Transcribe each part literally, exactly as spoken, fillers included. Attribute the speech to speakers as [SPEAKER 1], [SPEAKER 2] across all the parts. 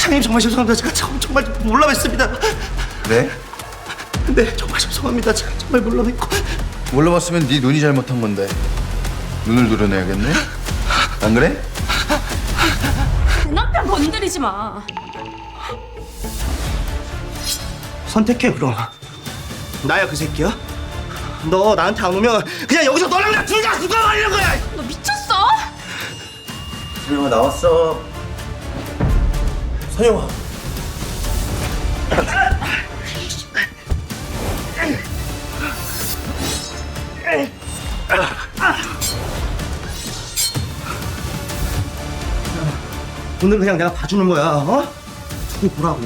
[SPEAKER 1] 사장님 정말 죄송합니다. 제가 정- 정말 몰라 뵀습니다.
[SPEAKER 2] 네?
[SPEAKER 1] 네, 정말 죄송합니다. 제가 정말 몰라 뵀고.
[SPEAKER 2] 몰라봤으면 네 눈이 잘못한 건데 눈을 드러내야겠네? 안 그래?
[SPEAKER 3] 내 남편 건드리지 마.
[SPEAKER 1] 선택해 그럼. 나야 그 새끼야? 너 나한테 안 오면 그냥 여기서 너랑 나 둘 다 죽어버리는 거야.
[SPEAKER 3] 너 미쳤어?
[SPEAKER 2] 선영아 나왔어. 선영아.
[SPEAKER 1] 오늘 그냥 내가 봐주는 거야. 어? 두고 보라고.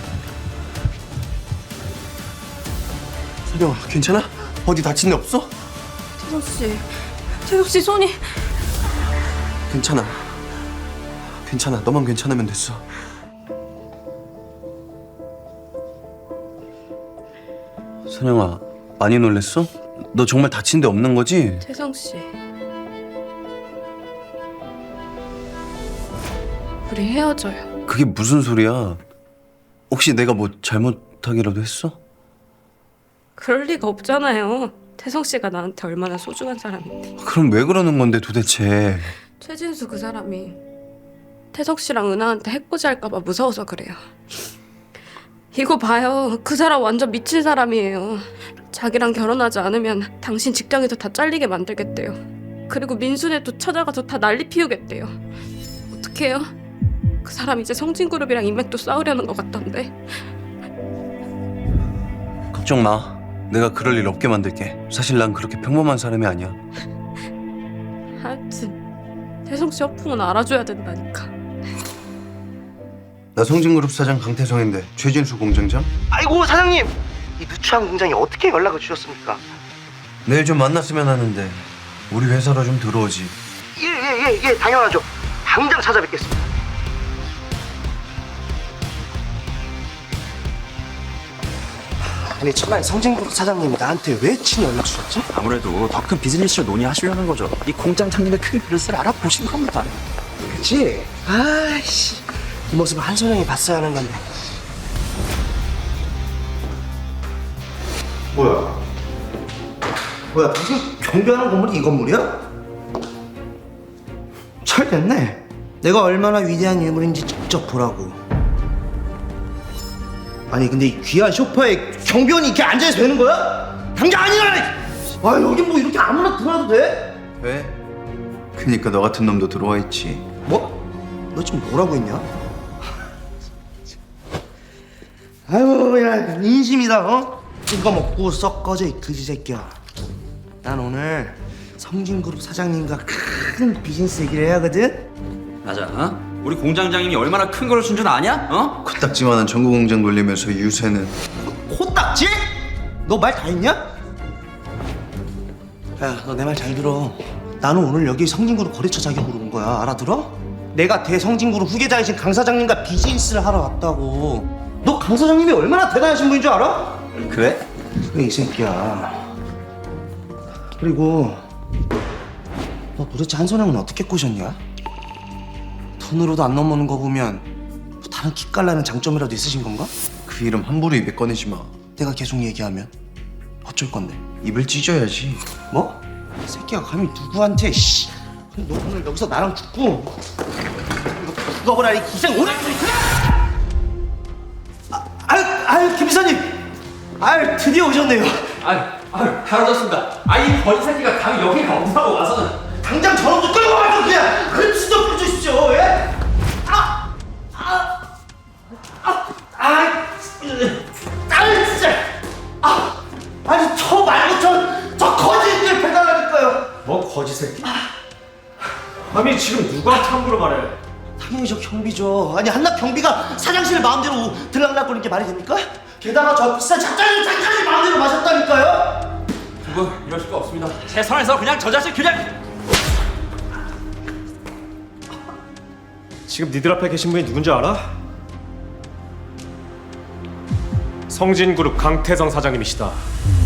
[SPEAKER 2] 선영아 괜찮아? 어디 다친 데 없어?
[SPEAKER 3] 태석 씨, 태석 씨 손이.
[SPEAKER 2] 괜찮아. 괜찮아. 너만 괜찮으면 됐어. 선영아 많이 놀랬어? 너 정말 다친 데 없는 거지?
[SPEAKER 3] 태성 씨, 우리 헤어져요.
[SPEAKER 2] 그게 무슨 소리야? 혹시 내가 뭐 잘못하기라도 했어?
[SPEAKER 3] 그럴 리가 없잖아요. 태성 씨가 나한테 얼마나 소중한 사람인데.
[SPEAKER 2] 그럼 왜 그러는 건데 도대체?
[SPEAKER 3] 최진수 그 사람이 태석 씨랑 은하한테 해코지 할까봐 무서워서 그래요. 이거 봐요. 그 사람 완전 미친 사람이에요. 자기랑 결혼하지 않으면 당신 직장에서 다 잘리게 만들겠대요. 그리고 민수네도 찾아가서 다 난리 피우겠대요. 어떡해요? 그 사람 이제 성진그룹이랑 인맥도 쌓으려는 것 같던데.
[SPEAKER 2] 걱정 마. 내가 그럴 일 없게 만들게. 사실 난 그렇게 평범한 사람이 아니야.
[SPEAKER 3] 하여튼 태성 씨 허풍은 알아줘야 된다니까.
[SPEAKER 2] 나 성진그룹 사장 강태성인데 최진수 공장장?
[SPEAKER 1] 아이고 사장님, 이 누추한 공장에 어떻게 연락을 주셨습니까?
[SPEAKER 2] 내일 좀 만났으면 하는데 우리 회사로 좀 들어오지.
[SPEAKER 1] 예예예 예, 예, 당연하죠. 당장 찾아뵙겠습니다. 아니 천만 성진그룹 사장님이 나한테 왜 친히 연락 주셨지?
[SPEAKER 4] 아무래도 더 큰 비즈니스를 논의하시려는 거죠. 이 공장장님의 큰 그릇을 알아보신 겁니다.
[SPEAKER 1] 그치? 아이씨, 이 모습을 한선영이 봤어야 하는 건데. 뭐야? 뭐야, 당신 경비하는 건물이 이 건물이야? 잘 됐네. 내가 얼마나 위대한 인물인지 직접 보라고. 아니 근데 이 귀한 소파에 경비원이 이렇게 앉아서 되는 거야? 당장 아니라! 아 여기 뭐 이렇게 아무나 들어와도 돼?
[SPEAKER 2] 왜? 그니까 너 같은 놈도 들어와 있지.
[SPEAKER 1] 뭐? 너 지금 뭐라고 했냐? 아유 야 인심이다 어? 이거 먹고 썩 꺼져 이 그지 새끼야. 난 오늘 성진그룹 사장님과 큰 비즈니스 얘기를 해야거든?
[SPEAKER 4] 맞아. 어? 우리 공장장님이 얼마나 큰 걸 준 줄 아냐? 어?
[SPEAKER 2] 코딱지만한 전국 공장 돌리면서 유세는.
[SPEAKER 1] 코딱지? 너 말 다 했냐? 야 너 내 말 잘 들어. 나는 오늘 여기 성진그룹 거래처 자격으로 온 거야. 알아들어? 내가 대성진그룹 후계자이신 강 사장님과 비즈니스를 하러 왔다고. 너 강 사장님이 얼마나 대단하신 분인 줄 알아?
[SPEAKER 2] 그래?
[SPEAKER 1] 그래 이 새끼야. 그리고 너 도대체 한선영은 어떻게 꼬셨냐? 돈으로도 안 넘어오는 거 보면 뭐 다른 기깔나는 장점이라도 있으신 건가?
[SPEAKER 2] 그 이름 함부로 입에 꺼내지 마.
[SPEAKER 1] 내가 계속 얘기하면 어쩔 건데?
[SPEAKER 2] 입을 찢어야지.
[SPEAKER 1] 뭐? 이 새끼가 감히 누구한테 씨. 너 오늘 여기서 나랑 죽고 이거 죽어보라 이 기생 오늘 아, 아유 아유 김 비서님 아유 드디어 오셨네요.
[SPEAKER 4] 아유, 아유, 잘 오셨습니다. 아이 버리 새끼가 감히 여기 가온다고 와서는.
[SPEAKER 1] 당장 저놈도 끌고 와서 그냥 그렇지 좀 해주십시오. 예? 아! 아! 아! 아! 아 진짜! 아! 아니 저 말고 저, 저 거지들 배달하니까요.
[SPEAKER 5] 뭐 거지 새끼? 아니 지금 누가 함부로 말해?
[SPEAKER 1] 당연히 저 경비죠. 아니 한낱 경비가 사장실 마음대로 들락날거리는 게 말이 됩니까? 게다가 저 비싼 작가님 작가님 마음대로 마셨다니까요?
[SPEAKER 4] 그거 이럴 수가 없습니다. 제 선에서 그냥 저 자식 그냥.
[SPEAKER 5] 지금 니들 앞에 계신 분이 누군지 알아? 성진그룹 강태성 사장님이시다.